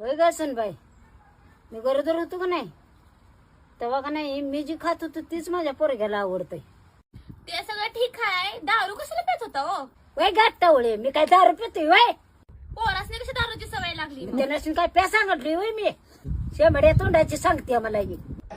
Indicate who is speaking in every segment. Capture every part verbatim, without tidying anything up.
Speaker 1: होय का बाई, मी गरोदर होतो का नाही तेव्हा का नाही मी जी खात होतो तीच माझ्या पोरग्याला आवडतंय.
Speaker 2: ते सगळं ठीक आहे, दारू कशाला पेत होता हो?
Speaker 1: वय गाठ टावळे, मी काय दारू पितोय वय?
Speaker 2: पोरासने कशी दारूची सवय लागली?
Speaker 1: ते नसून काय प्या सांगितली होय मी? शेंबड्या तोंडाची सांगते मला ही.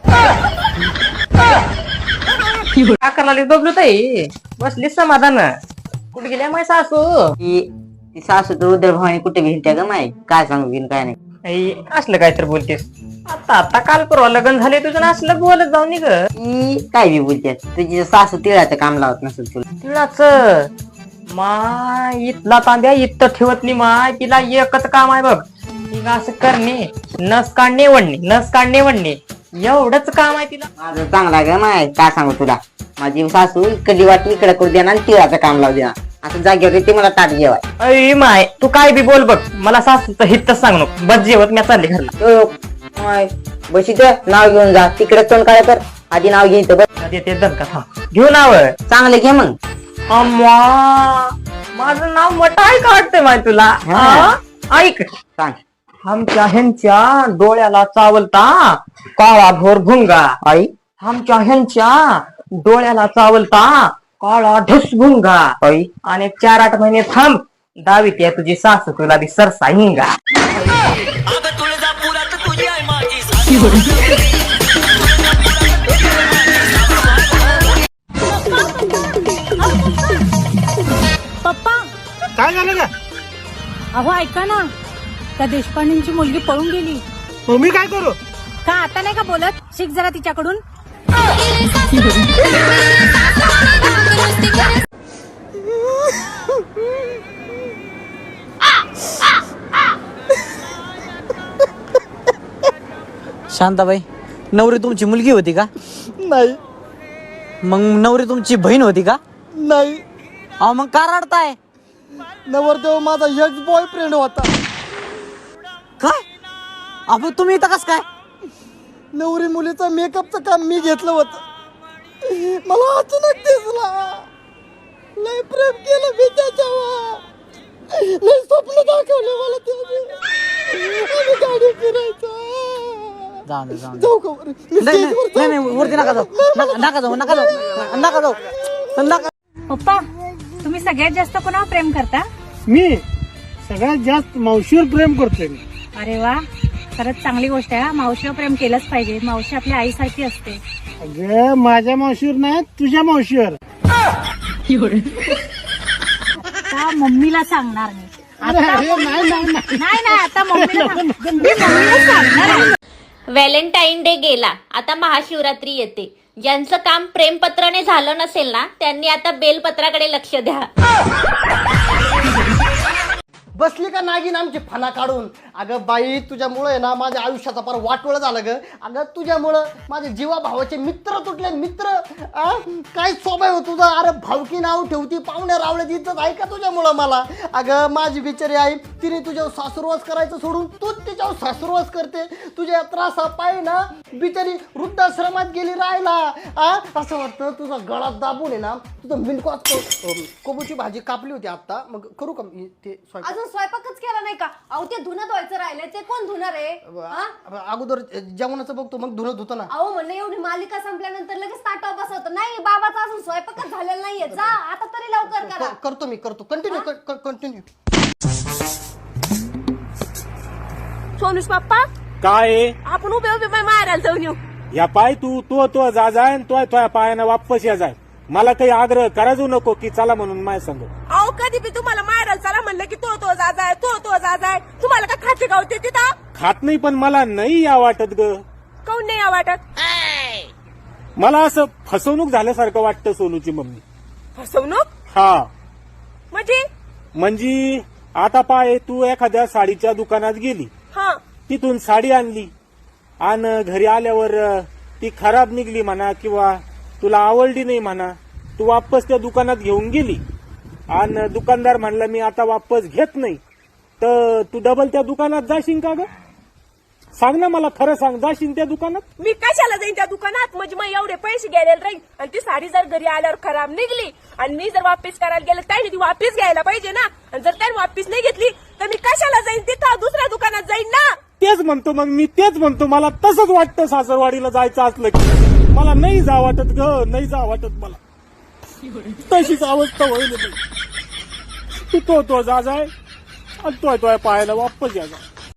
Speaker 3: अकराला बबलू ताई बसली समाधान. कुठे गेल्या माय सासू?
Speaker 4: ती सासू तर उदरभावानी कुठे भेटत्या ग माय, काय सांगू बिन काय नाही.
Speaker 3: आई, असलं काय तर बोलतेस. आता आता काल परवा लग्न झाले तुझं ना असलं बोलत जाऊ नी ग.
Speaker 4: ती काय बी बोलत्यात, तुझी सासू तिळाचं काम लावत नसेल तुला.
Speaker 3: तिळाच माय इथला तांब्या इथं ठेवत नाही माय, तिला एकच काम आहे बघ, तिला असं करणे, नस काढणे वडणे, नस काढणे वडणे, एवढंच काम आहे तिला.
Speaker 4: माझं चांगला ग माय, काय सांगू तुला. माझी सासू इकडली वाटी इकडे करू देणार आणि तिळाचं काम लावू देणार. असं जागेवर ते मला ताट जेवाय.
Speaker 3: अय माय तू काय बी बोल बघ, मला सासूचं हितच सांग नको. बस जेवत मी चालले घरला.
Speaker 4: माय बस इथं नाव घेऊन जा, तिकडे तोंड काय कर, आधी नाव घे इथं बस.
Speaker 3: येते दणका थांब घेऊ नाव.
Speaker 4: चांगलं घे मग.
Speaker 3: अम्मा माझं नाव मोठं आहे का वाटतंय माय तुला?
Speaker 4: हा.
Speaker 3: ऐक
Speaker 4: सांग.
Speaker 3: आमच्या ह्यांच्या डोळ्याला चावलता काळा भोर भुंगा.
Speaker 4: आई
Speaker 3: आमच्या ह्यांच्या डोळ्याला चावलता काळा ढुस भुंगा.
Speaker 4: आई
Speaker 3: आणि चार आठ महिने थांब, दावीत आहे तुझी सासू तुला बी सरसा हिंगा.
Speaker 5: पप्पा
Speaker 6: काय झालं का?
Speaker 5: अहो ऐका ना, त्या देशपांडेंची मुलगी पळून गेली.
Speaker 6: मग मी काय करू?
Speaker 5: का आता नाही का बोलत? शिक जरा तिच्याकडून.
Speaker 7: शांताबाई, नवरी तुमची मुलगी होती का?
Speaker 6: नाही
Speaker 7: मग नवरी तुमची बहीण होती का?
Speaker 6: नाही,
Speaker 7: अहो मग का रडताय?
Speaker 6: नवरदेव माझा एक्स बॉयफ्रेंड होता.
Speaker 7: काय? अहो तुम्ही इथं कस काय?
Speaker 6: नवरी मुलीचं मेकअपचं काम मी घेतलं होतं. मला अचानक दिसला, लय प्रेम केलं मी त्याच्यावर, लय स्वप्न दाखवले मला त्याने. आम्ही गाडी फिरायचं.
Speaker 7: जाऊ दे, जाऊ दे.
Speaker 6: जाऊ का बरं? मी
Speaker 7: नाही नाही
Speaker 6: स्टेजवर
Speaker 7: नाही, नाही, वरती नका जाऊ, नका नका जाऊ, नका जाऊ, नका जाऊ, नका.
Speaker 5: पप्पा तुम्ही सगळ्यात जास्त कोणावर प्रेम करता?
Speaker 6: मी सगळ्यात जास्त मावशीवर प्रेम करतोय मी.
Speaker 5: अरे वा, खरंच चांगली गोष्ट आहे. मावशीवर प्रेम केलंच पाहिजे. मावशी आपल्या आईसारखी असते.
Speaker 6: अगं माझ्या मावशीवर नाही, तुझ्या मावशीवर.
Speaker 5: आता मम्मीला सांगणार मी.
Speaker 6: अरे, अरे, नाही नाही नाही.
Speaker 5: नाही नाही, आता मम्मीला सांग- मी मम्मीला सांगणार आहे.
Speaker 2: व्हॅलेंटाईन डे गेला, आता महाशिवरात्री येते. ज्यांचं काम प्रेमपत्राने झालं नसेल ना, त्यांनी आता बेलपत्राकडे लक्ष द्या.
Speaker 6: बसली का नागिन आमची फणा काढून. अगं बाई, तुझ्यामुळे आहे ना माझ्या आयुष्याचा फार वाटोळं झालं ग. अगं तुझ्यामुळं माझे जीवा भावाचे मित्र तुटले. मित्र आ? काय स्वभाव आहे तुझा. अरे भावकी नाव ठेवती, पाहुण्या रावळ्याची इज्जत आहे का तुझ्यामुळं मला. अगं माझी बिचारी आई, तिने तुझ्यावर सासुरवास करायचं सोडून तूच तिच्यावर सासुरवास करते. तुझ्या त्रासा पाय ना बिचारी वृद्धाश्रमात गेली राहायला. आ असं वाटतं तुझा गळा दाबून आहे ना, तुझं मिनकॉस कोबूची भाजी कापली होती आता. मग करू का मी ते स्वयंपाक?
Speaker 8: अजून स्वयंपाकच केला नाही का? अहो ते धुणं धुवायचं राहिलंय, ते कोण धुणार आहे?
Speaker 6: अ- अगोदर जेवणाचं बघतो, मग धुणं धुतो ना.
Speaker 8: अहो म्हणलं एवढी मालिका संपल्यानंतर लगेच ताटावर बसवतं. नाही, बाबाचा अजून स्वयंपाकच झालेला नाहीये. जा आता तरी लवकर करा.
Speaker 6: क- करतो मी करतो. Continue continue.
Speaker 9: सोनूस पप्पा,
Speaker 10: काय
Speaker 9: आपण उभे उभे मारायला जाऊन येऊ.
Speaker 10: या पाय तू तो तो जा जाय तो तो पायानं वापस या जाय. मला काही आग्रह करायचो नको की चला म्हणून माझ्या संग.
Speaker 9: अहो कधी बी तुम्हाला मारायला चला म्हणलं की तो तो जा जाय, तो तो जा जाय. तुम्हाला का खाते गावते तिथं?
Speaker 10: खात नाही, पण मला नाही या वाटत ग.
Speaker 9: काऊन नाही या वाटत?
Speaker 10: मला असं फसवणूक झाल्यासारखं वाटतं सोनूची मम्मी.
Speaker 9: फसवणूक
Speaker 10: हा
Speaker 9: म्हणजे?
Speaker 10: म्हणजे आता पाय तू एखाद्या साडीच्या दुकानात गेली,
Speaker 9: हा
Speaker 10: तिथून साडी आणली आणि घरी आल्यावर अ, ती खराब निघली म्हणा किंवा तुला आवडली नाही म्हणा, तू वापस त्या दुकानात घेऊन गेली आणि दुकानदार म्हणला मी आता वापस घेत नाही, तर तू डबल त्या दुकानात जाशील का ग? सांग ना मला, खरं सांग, जाशील त्या दुकानात?
Speaker 9: मी कशाला जाईन त्या दुकानात? म्हणजे मग एवढे पैसे घ्यायला राहील आणि ती साडी जर घरी आल्यावर खराब निघली आणि मी जर वापस करायला गेलं त्याने ती वापस घ्यायला पाहिजे ना. आणि जर त्याने वापस नाही घेतली तर मी कशाला जाईन तिथं? दुसऱ्या दुकानात जाईन ना.
Speaker 10: तेच म्हणतो मग मी तेच म्हणतो मला तसंच वाटतं सासरवाडीला जायचं असलं की मला नाही जा वाटत ग नाही जा वाटत मला तशीच अवस्था होईल तू तो तो जा जाय आणि तोय तोय पाहायला वापस या जा